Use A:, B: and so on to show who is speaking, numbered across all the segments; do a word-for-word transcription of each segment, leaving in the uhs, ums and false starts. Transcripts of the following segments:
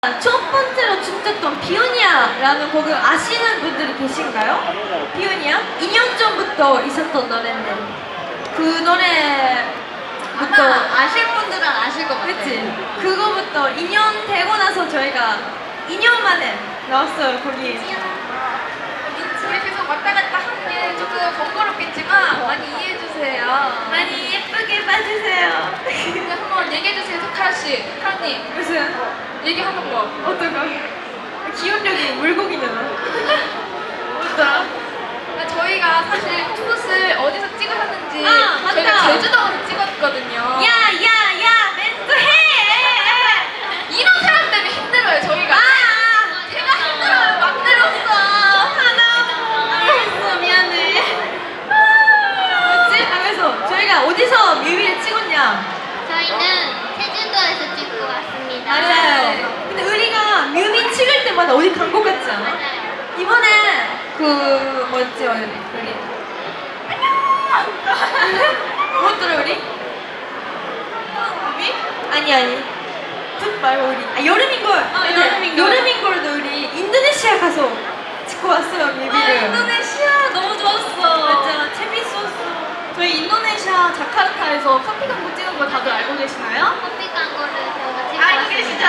A: 첫 번째로 춤췄던 비오니아라는 곡을 아시는 분들이 계신가요? 비오니아? 이 년 전부터 있었던 노래인데 그 노래부터
B: 아마 아실 분들은 아실 것 같아요.
A: 그치? 그거부터 이 년 되고 나서 저희가 이 년 만에 나왔어요 거기.
B: 우리 계속 왔다 갔다 하는 게 조금 번거롭겠지만 많이 이해해주세요.
A: 많이 예쁘게 봐주세요.
B: 근데 한번 얘기해주세요, 카라씨. 카라님,
A: 무슨
B: 얘기하는 거.
A: 어떤 거? 기억력이 물고기잖아. 뭐더라?
B: 아, 저희가 사실 투봇을 어디서 찍으셨는지
A: 아, 맞다.
B: 저희가 제주도에서 찍었거든요.
A: 야야야 멘트 해!
B: 이런 사람 때문에 힘들어요, 저희가.
A: 아!
B: 제가 힘들어요, 막 내렸어.
A: 하나 알겠어 미안해. 뭐지? 하면서 저희가 어디서 뮤비를 찍었냐?
C: 저희는 제주도에서 찍고 왔습니다.
A: 맞아요. 근데 우리가 뮤비 찍을 때마다 어디 간 것 같지 않아?
C: 맞아요.
A: 이번에 그 뭐였지 우리 우리 안녕. 뭐였더라 우리? 뮤비? 아니 아니. 풋 말고 우리 아 여름인걸.
B: 아,
A: 근데
B: 여름인걸.
A: 여름인걸도 우리 인도네시아 가서 찍고 왔어요 뮤비를.
B: 아, 인도네시아 너무 좋았어.
A: 맞아 재밌었어.
B: 저희 인도네시아 자카르타에서 커피 광고 찍은 거 다들 알고 계시나요?
C: 커피 광고를 저희가 찍고
B: 알고
C: 왔습니다.
B: 계시죠?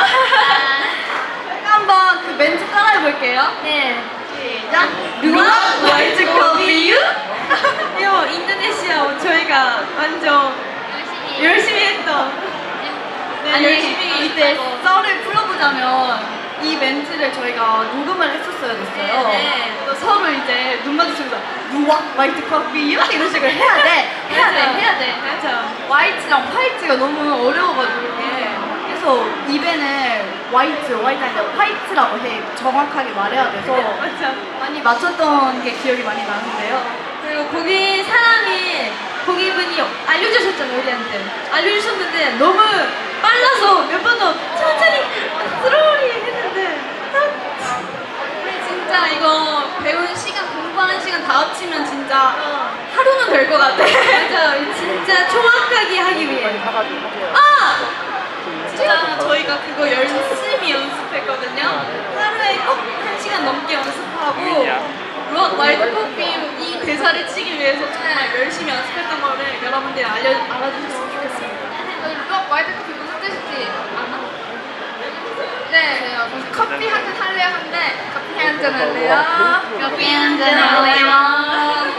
C: 아,
B: 한번 그 멘트 따라해볼게요.
A: 네.
B: 시작.
A: 루아 와이즈 커피 유? 이거 인도네시아 저희가 완전
C: 열심히
A: 열심히 했던. 네,
B: 아니
A: 열심히
B: 이때
A: 했다고.
B: 썰을 풀어보자면 이 멘트를 저희가 녹음을 했었어야 됐어요.
A: 네, 네.
B: 또 서로 이제 눈 마주치면서 루아 화이트 커피 이렇게 이런 식으로 해야 돼. 해야 돼.
A: 맞아.
B: 해야 돼.
A: 맞아.
B: 화이트랑 화이트가 너무 어려워가지고 이게. 그래서 입에는 화이트, 화이트 아니라 화이트라고 해. 정확하게 말해야 돼서
A: 맞아.
B: 많이 맞췄던 게 기억이 많이 나는데요.
A: 그리고 거기 사람이 거기 분이 알려주셨잖아요 우리한테. 알려주셨는데 너무 빨라서 몇 번 더 천천히 스로리 했는데
B: 우리 진짜 이거 배운 시간, 공부하는 시간 다 합치면 진짜
A: 어.
B: 하루는 될 것 같아.
A: 맞아. 진짜 정확하게 하기 위해.
B: 아! 진짜 저희가 그거 열심히 연습했거든요. 하루에 꼭 한 시간 넘게 연습하고 롯 와이드 커피 이 대사를 치기 위해서 정말 열심히 연습했던 거를 여러분들이 알려, 알아주셨으면 좋겠습니다. 롯 와이드 커피 무슨 뜻인지 아나? 네, 커피 한 잔 할래요? 한데 커피 한 잔 할래요? 커피 한 잔 할래요?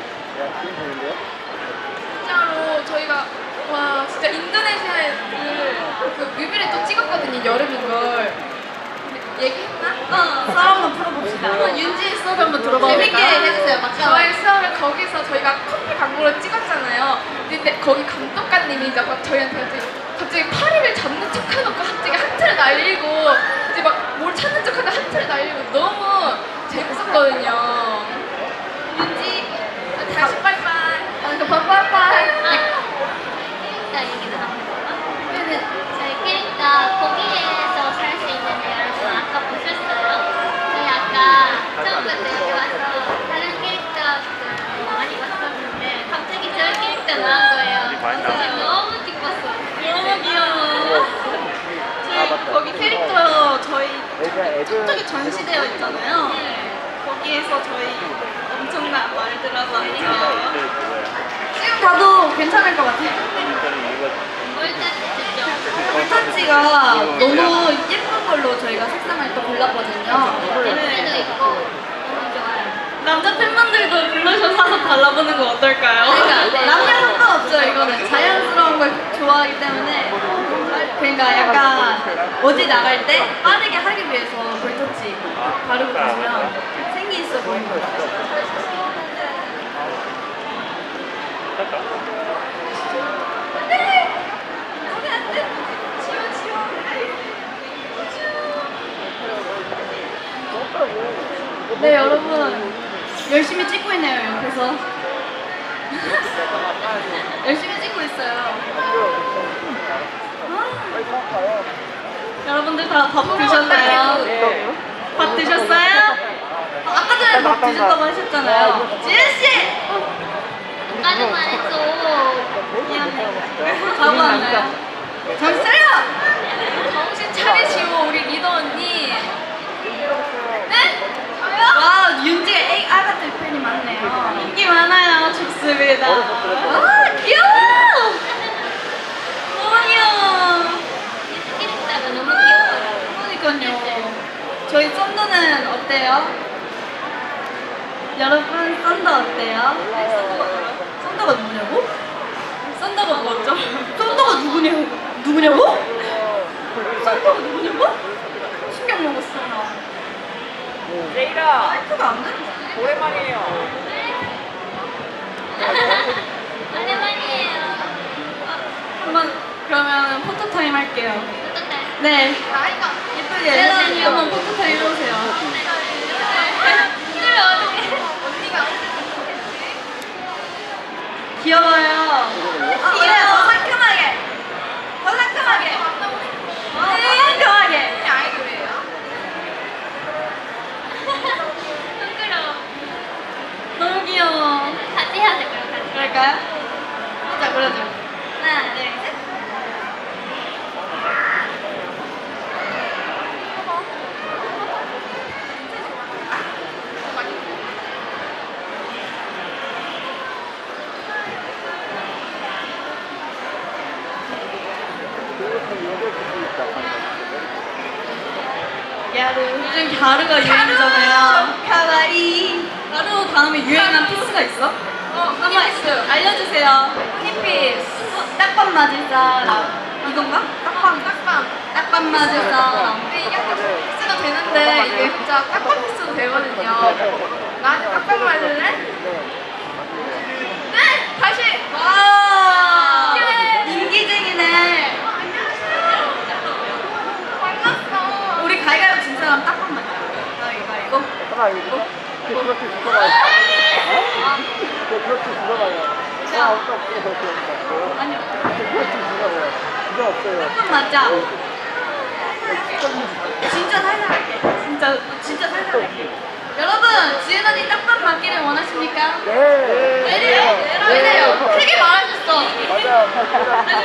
B: 진짜로 저희가 와 진짜 인도네시아에 그, 그 뮤비를 또 찍었거든요. 여름인 걸. 얘기했나? 어, 썰 한번 풀어봅시다. 어, 윤지의 썰 한번 들어봐. 재밌게 해주세요. 막 저의 썰을 거기서 저희가 커피 광고를 찍었잖아요. 근데 거기 감독관님이 이제 막 저희한테 갑자기, 갑자기 파리를 잡는 척 해놓고 갑자기 하트를 날리고 이제 막 뭘 찾는 척 하는데 하트를 날리고 너무 재밌었거든요. 윤지 다시 빠이빠이. 아, 그 빠이빠이.
C: 캐릭터 얘기를 한번 해볼까?
B: 네네.
C: 저희 캐릭터 거기에서 살 수 있는데 여러분 아까 보셨어요? 저희 아까 처음부터 여기 와서 다른 캐릭터들 많이 봤었는데 갑자기 저희 캐릭터 나온 거예요. 그래서 너무 기뻤어요.
B: 너무 귀여워. 저희 거기 캐릭터 저희 저쪽에 전시되어 있잖아요. 거기에서 저희 엄청난 말들하고 하죠. 지금 봐도 괜찮을 것 같아요.
C: 롤타치죠?
B: 롤타치가 너무 예쁜 걸로 저희가 색상을 또 골랐거든요.
C: 냄새도 있고 너무 좋아요.
B: 남자 팬분들도 블러셔 사서 발라보는 거 어떨까요?
C: 그러니까
B: 남녀 상관없죠. 이거는 자연스러운 걸 좋아하기 때문에 그러니까 약간 어디 나갈 때 빠르게 하기 위해서 볼터치 바르고 가시면 생기 있어 보이는 거 같아요. 네 여러분 열심히 찍고 있네요 옆에서. 열심히 찍고 있어요. 여러분들 다 밥 드셨나요? 밥 드셨어요? 아까 전에 밥 드셨다고 하셨잖아요. 지은씨!
C: 아까는 말했어.
B: 미안해. 가고 왔나요? 정신 차려! 정신 잘해시오 우리 리더 언니. 네?
A: 와, 윤지가 A 아가들 팬이 많네요. 인기 많아요. 좋습니다. 아, 귀여워! 너무 귀여워.
C: 캐릭터가 너무 귀여워요.
A: 그러니까요. 저희 썬더는 어때요? 여러분, 썬더 어때요? 썬더가 누구냐고? 썬더가 뭐죠? 썬더가 누구냐고? 누구냐고? 썬더가 누구냐고? 신경 먹었어.
D: 제이라
A: 마이크가 안 들려.
D: 오랜만이에요.
C: 오랜만이에요.
A: 한번 그러면 포토 타임 할게요.
C: 어떡해?
A: 네,
B: 나이가
A: 예쁘게
C: 네,
A: 한번 포토 타임 해보세요.
C: 힘들어 어떡해?
B: 언니가
A: 귀여워요. 아, 그래, 더 상큼하게. 더 상큼하게. 더 상큼하게.
B: 아이돌이에요.
C: 부끄러워.
A: 너무 귀여워.
C: 같이 해야 돼 그럼 같이.
A: 그럴까요? 자, 그러죠. 하나, 둘, 셋. 야르. 요즘 갸르가 유행이잖아요. 카와이. 갸르 다음에 유행한 피스가 있어?
B: 어,
A: 한번
B: 있어요.
A: 알려주세요. 힙피스. 딱밤 맞을 사람. 이건가? 딱밤.
B: 딱밤.
A: 딱밤 맞을 사람.
B: 근데 이게 약간 피스가 되는데 이게 진짜 딱밤 피스도 되거든요. 나한테 딱밤 맞을래? 네! 다시!
A: 와.
B: 예.
A: 인기쟁이네.
B: 만났어.
A: 우리 가위가위 진 사람 딱밤 맞자. 가위가위고.
D: 하나 이거 그렇게 죽어봐요. 어? 그렇게 죽어봐요. 아 없어 없어 없어 없어.
A: 아니요.
D: 그렇게 죽어봐요. 진짜 없어요.
A: 딱밤 맞자. 진짜 살살 할게. 진짜 진짜 살살 할게. 여러분, 지은 언니 딱밤 맞기를 원하십니까?
D: 네. 네.
A: 왜래요? 왜래요? 크게 말하셨어.
D: 맞아.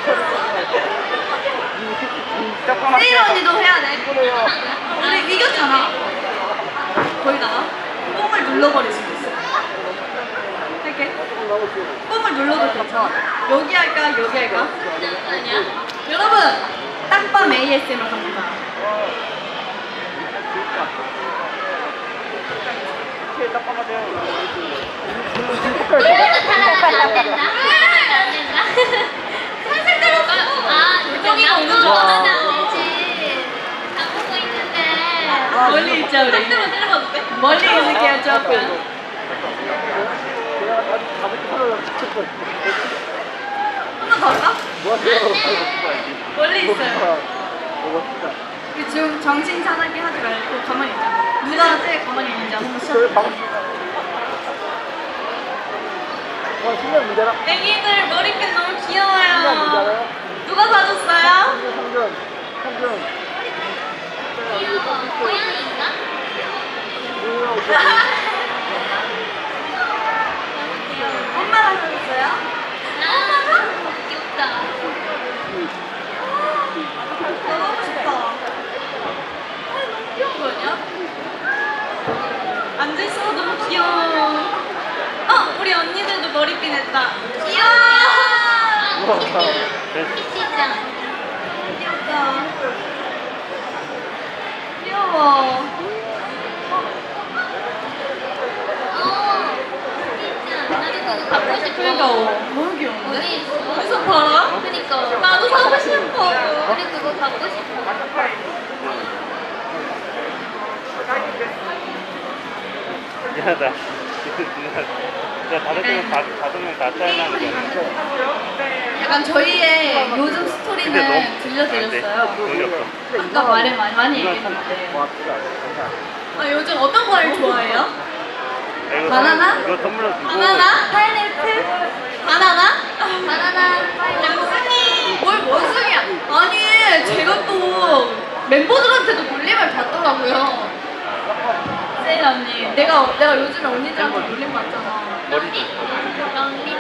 A: 세일 언니도 해야 돼.
D: 그래요.
A: 우리 이겼잖아. 거기다가 뽕을 눌러버릴 수도 있어. 이렇게 뽕을 눌러도 괜찮아. 여기 할까? 여기 할까?
C: 아니야?
A: 여러분, 딱밤 에이에스엠을 갑니다.
C: 이것도 탈락하면 안 된다. 안 된다. 살살 때렸어. 아,
A: 요정이가 오는 줄
C: 안
A: 알았어.
C: 되지. 다 보고 있는데.
A: 멀리 있자 우리. 상대만 때려봐도 돼? 멀리 있을게요 조금. 한 번 더 할까? 멀리 있어요. 우리 지금 정신 차리게 하지 말고 가만히 있자. 누가 제일 가만히 있는지 한번 시작.
D: 어, 신경 문제라.
A: 애기들 머리핀 너무
D: 신경
A: 귀여워요.
D: 문제라요?
A: 누가 사줬어요?
D: 성준, 성준.
C: 귀여워. 고양이인가?
A: 엄마가 사줬어요?
C: 아, 귀엽다.
A: 너무 좋다. 아, 너무 귀여운 거 아니야? 앉아있어서 너무 귀여워. 어, 우리 언니들도 머리핀 했다. 귀여워.
C: 아, 키티. 키티짱.
A: 귀엽다. 귀여워.
C: 어, 키티짱. 나도 그거 갖고 싶어.
A: 그러니까 어, 너무 귀여운데?
C: 어디 있어?
A: 어디서 팔아?
C: 그니까.
A: 나도 사고 싶어.
C: 우리 그거 갖고 싶어.
E: 미안하다. 야, 다섯 명 다, 다섯 명다 짜증나는 거야.
A: 약간 저희의 요즘
E: 근데
A: 스토리는
E: 너무 안 돼.
A: 들려드렸어요.
E: 돈이 없어.
A: 아까 말을 많이, 많이 얘기했는데. 아, 요즘 어떤 과일 좋아해요?
E: 아, 이거
A: 바나나?
E: 선- 이거 선물로 주고.
A: 바나나? 파인애플? 바나나? 바나나? 원숭이! 뭘 원숭이야? 아니, 제가 또 멤버들한테도 놀림을 받더라고요. 세일 언니, 내가, 내가 요즘에 언니들한테 놀림 받잖아.
C: 런린. 런린.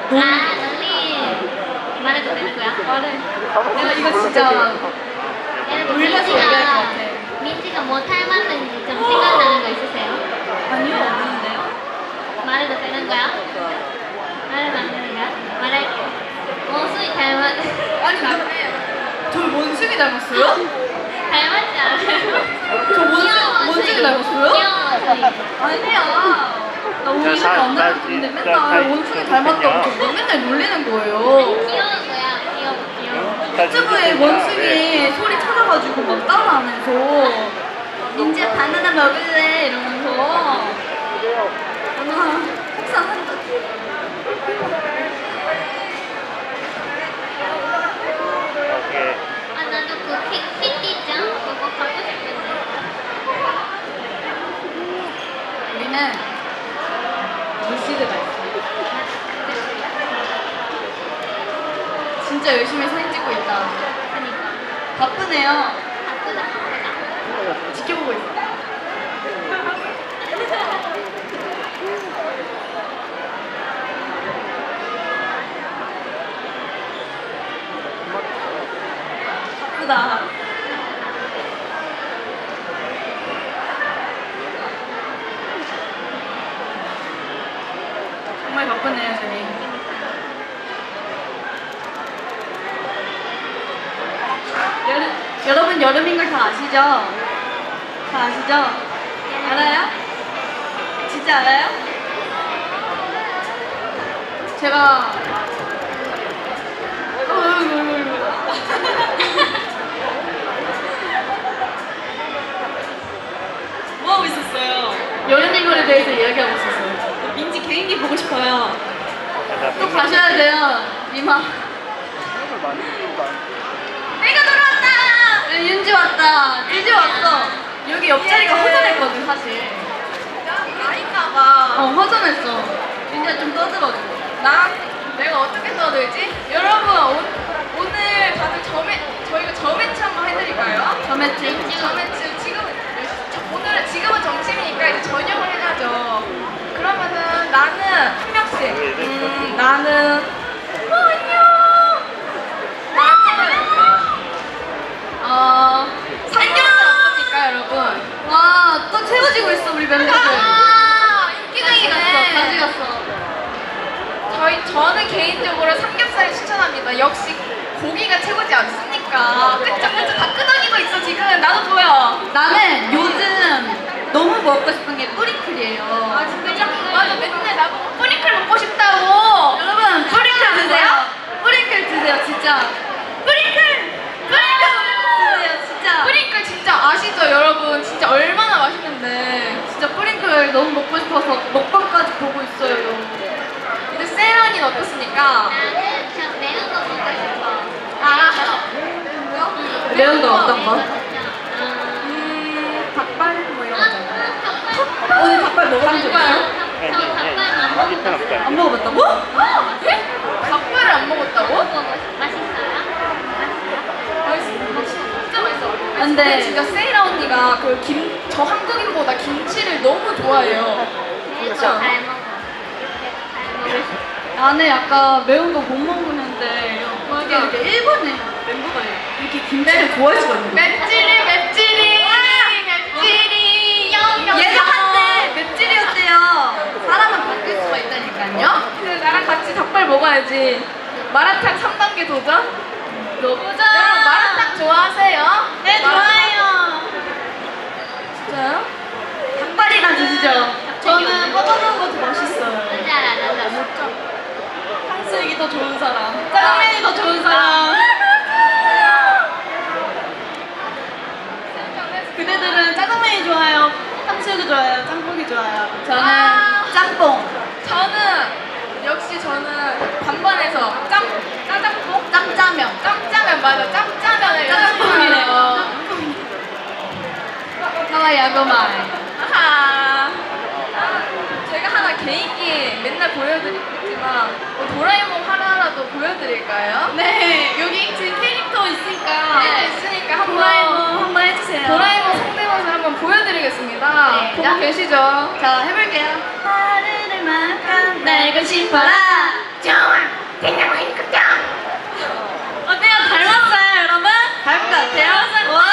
C: 아, 런린. 말해도 되는 거야?
A: 말해. 내가 이거 진짜
C: 여러분
A: 울면서 얘기할 것
C: 민지가
A: 같아.
C: 민지가 뭐 닮았는지 좀 생각나는 거 있으세요?
A: 아니요, 없는데요?
C: 말해도 되는 거야? 말해도 안 되는 거야? 말할게. 원숭이 닮았
A: 아니, 나, 저 원숭이 닮았어요?
C: 닮았지 않아요?
A: 저 원숭이,
C: 귀여운
A: 원숭이 닮았어요?
C: 귀여운 원숭이.
A: 아니야. 나 오늘
E: 사-
A: 안
E: 사-
A: 닮았는데
E: 사-
A: 맨날
E: 사-
A: 원숭이 닮았다고 저보고 맨날 놀리는 거예요.
C: 귀여운 거야. 귀여워, 귀여워.
A: 유튜브에 원숭이 소리 찾아가지고 막 따라하면서 민지야 바나나 먹을래 이러면서 아 속상한다.
E: 오케이.
C: 아, 나도 그 키, 키티짱 그거 갖고 싶은데.
A: 우리는 루시드가 있어. 진짜 열심히 사진 찍고 있다.
C: 그니까.
A: 바쁘네요.
C: 바쁘다, 바쁘다.
A: 지켜보고 있어. 바쁘다. 정말 바쁘네요, 저희. 여름, 여러분 여름인 걸 다 아시죠? 다 아시죠? 알아요? 진짜 알아요? 제가 어, 어이구, 어이구, 어이구. 뭐 하고 있었어요? 여름인 걸에 대해서 이야기하고 있었어요. 민지 개인기 보고 싶어요. 또 가셔야 돼요, 이마.
D: 생각을 많이 쓰고 많이
A: 내가 돌아왔다! 네, 윤지 왔다. 찌지 왔어. 여기 옆자리가 허전했거든, 사실.
B: 아닌가봐.
A: 어, 허전했어. 윤지가 좀 떠들어줘.
B: 나? 내가 어떻게 써들지? 여러분, 오, 오늘 다들 저매, 저희가 저매치 한번 해드릴까요?
A: 저매치.
B: 저매치, 지금, 오늘은, 지금은 점심이니까 이제 저녁을 해야죠. 그러면은 나는 한 명씩. 음, 나는. 어, 안녕! 나는. 어, 삼겹살 어떻습니까, 여러분?
A: 와, 또 채워지고 있어, 우리 멤버들.
B: 아,
A: 가지 갔어, 가지
B: 인기가이네.
A: 갔어.
B: 저희 저는 개인적으로 삼겹살을 추천합니다. 역시 고기가 최고지 않습니까? 그쵸 그쵸 다 끄덕이고 있어 지금. 나도 보여.
A: 나는 요즘 너무 먹고 싶은 게 뿌리클이에요.
B: 아 진짜? 맞아 맨날 나보고 뿌리클 먹고 싶다고.
A: 여러분, 뿌리클 드세요. 뿌리클 드세요, 진짜. 뿌리클! 뿌리클 드세요, 진짜.
B: 뿌리클 진짜 아시죠 여러분? 진짜 얼마나 맛있는데.
A: 진짜 뿌링클 너무 먹고 싶어서 먹방까지 보고 있어요, 여러분.
B: 이제 세런이는 어떻습니까?
C: 나는 저 매운 거 먹고 싶어.
B: 아
A: 매운 거 어떤 거?
C: 음,
B: 음,
A: 닭발 뭐 이런
C: 아,
A: 거잖아.
C: 닭발.
A: 오늘 닭발 먹어본 적 있어?
C: 저 닭발 안
E: 아, 이편
C: 먹어봤어요.
E: 없다.
A: 안 먹어봤다고?
B: 네? 닭발을 안 먹었다고?
C: 먹어봤어요. 맛있어요? 맛있어요?
B: 맛있어. 진짜 맛있어.
A: 근데-
B: 근데 진짜 세이라 언니가 그 김 저 한국인보다 김치를 너무 좋아해요.
C: 매운
B: 그쵸?
C: 거잘 먹어. 잘 먹을 수 있어.
A: 나는 약간 매운 거 못 먹는데 어떻게
B: 맞아.
A: 이렇게 일본에 멤버가 이렇게 김치를 좋아할 수가 있는 거야?
B: 맵찔이 맵찔이 맵찔이 영영
A: 얘도 한때 맵찔이었대요. 사람은 바뀔 수가 있다니까요.
B: 근데 나랑 같이 닭발 먹어야지. 마라탕 삼 단계 도전?
A: 너보자.
B: 여러분 마라탕 좋아하세요?
A: 네, 좋아해요.
B: 진짜요?
A: 닭발이나 드시죠. 저는 뻗어놓은 것도 맛있어요.
C: 뭔지 알아, 나도.
A: 탕수육이 더 좋은 사람. 짜장면이 더 좋은 사람. 그대들은 짜장면이 좋아요? 탕수육이 좋아요? 짬뽕이 좋아요? 저는
B: 아.
A: 짬뽕.
B: 저는 역시 저는 반반해서 짬 짜장뽕
A: 짬짜면.
B: 짬짜면 맞아 짬짜면을
A: 짜장뽕이래요. 하와 야구마이.
B: 아하. 제가 하나 개인기 맨날 보여드리지만 뭐 도라에몽 하나라도 보여드릴까요?
A: 네, 여기 지금 캐릭터 있으니까.
B: 네, 있으니까 한번
A: 도라에몽 한번 해주세요.
B: 도라에몽 성대모사 한번 보여드리겠습니다.
C: 네.
B: 보고 계시죠?
A: 자, 해볼게요. 하늘만큼 날고 싶어라. 좋아. 어때요? 닮았어요, 여러분? 닮은 것 같아요? 와!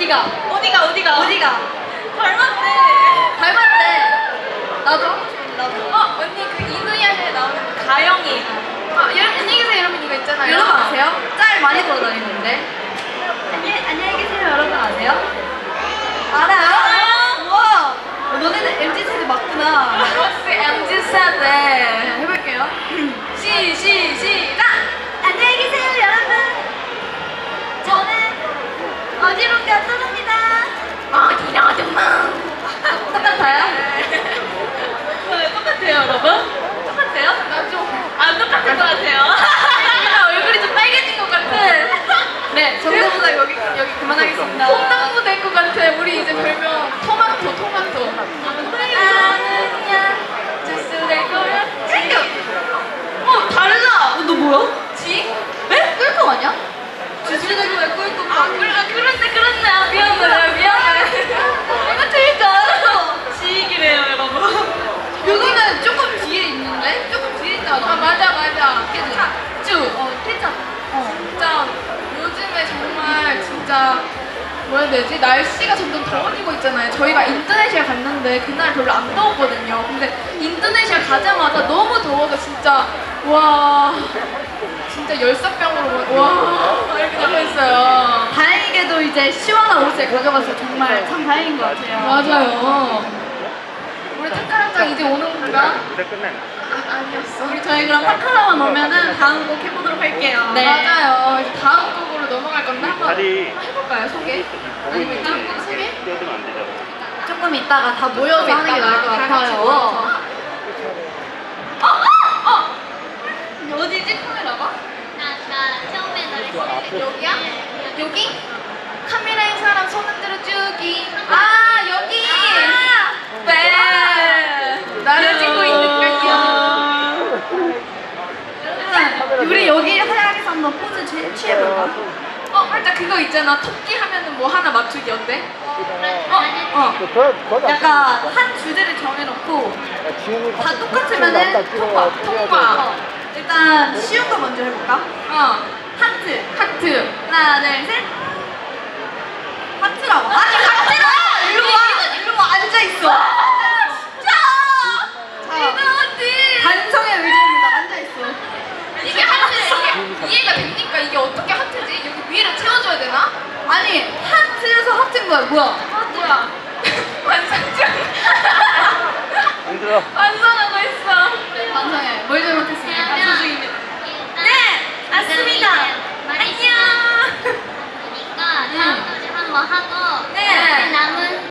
A: 어디가? 어디가 어디가 어디가? 닮았네.
B: 닮았대.
A: 나도 하고 싶은데 나도.
B: 어 언니 그 이누야샤에 나오는 가영이. 아 여러분 안녕히 계세요 여러분 이거 있잖아요.
A: 여러분
B: 아세요?
A: 짤 많이 돌아다니는데. 안녕 안녕히 계세요 여러분 아세요? 알아요? 우와. 너네는 엠지 세대 맞구나.
B: 혹시 엠지 세대 해볼게요. 시 시 시작.
A: 안녕히 계세요 여러분. 저는 어지럽게 떠납니다.
B: 어디로든가.
A: 똑같아요?
B: 네, 똑같아요 여러분. 똑같아요? 나 좀 안 똑같은 것 같아요. 나 얼굴이 좀 빨개진 것 같아.
A: 네 정답보다 여기 여기 그만하겠습니다.
B: 콩나무 될 것 같아. 우리 이제 별명 토마토 토마토. 아는야 주스 될 거야. 땡겨. 어 달라.
A: 어, 너 뭐야?
B: 지?
A: 에? 꿀꺽 아니야? 주스대고 왜 꿀꺽?
B: 아 그래 그런데 그렇네. 아, 미안해 미안해.
A: 이거 틀릴 줄 알았어.
B: 지익이래요 여러분.
A: 여기는 조금 뒤에 있는데? 조금 뒤에 있잖아.
B: 아 맞아 맞아. 쭈.
A: 어, 케찹. 어.
B: 진짜 요즘에 정말 진짜 뭐라 해야 되지? 날씨가 점점 더워지고 있잖아요. 저희가 인도네시아 갔는데 그날 별로 안 더웠거든요. 근데 인도네시아 가자마자 너무 더워서 진짜 와 진짜 열사병으로 와 이렇게 나가있어요.
A: 다행히도 이제 시원한 옷을 가져가서 정말 참 다행인 것 같아요.
B: 맞아요. 우리 탁가랑장 이제 오는 건가?
E: 무대 끝내나?
B: 아, 아니었어.
A: 우리 저희 그럼 파카라만 오면은 다음 곡 해보도록 할게요.
B: 네. 맞아요. 이제 다음 곡으로 넘어갈 건데 한번
E: 다리
B: 해볼까요? 소개? 아니면 다음 곡 소개?
E: 뛰어들면 안 되잖아.
A: 조금 이따가 다 모여서 하는 게 나을 것
B: 다 같이
A: 같아요.
B: 모여서. 어! 어! 어! 어디지 카메라가?
C: 아까 처음에 노래 시작할 때
B: 여기야?
C: 네,
B: 여기? 카메라인 사람 손 흔들어 주기. 아 여기. 네. 나를 찍고 있는 거요.
A: 우리 여기 화장에서 한번 포즈 취- 취해볼까?
B: 어 살짝 그거 있잖아. 토끼 하면은 뭐 하나 맞추기 어때?
C: 어?
A: 어.
D: 그, 더, 더
A: 약간 한 주제를 정해놓고
D: 지훈이
A: 다 똑같으면은
B: 통과. 통과.
A: 어. 일단 쉬운 거 먼저 해볼까?
B: 어.
A: 하트.
B: 하트.
A: 하나, 둘, 셋. 하트라고. 아니, 하트라! 일로 와! 일로 와, 앉아있어.
B: 진짜.
A: 자,
B: 이거지.
A: 반성의 의지입니다. 앉아있어.
B: 이게 하트 이게 이해가 됩니까? 이게 어떻게 하트지? 여기 위를 채워줘야 되나?
A: 아니, 하트에서 하트인 거야, 뭐야?
B: 아 뭐야? 완성적.
E: 힘들어.
B: 완성하고 있어.
A: 반성해. 뭘 잘못했습니까? 반성
C: 그러면
A: 중입니다.
C: 일단
A: 네, 맞습니다.
C: 말이
A: 안녕.
C: 시작하니까 다음 노래 한번 하고
A: 네.
C: 남은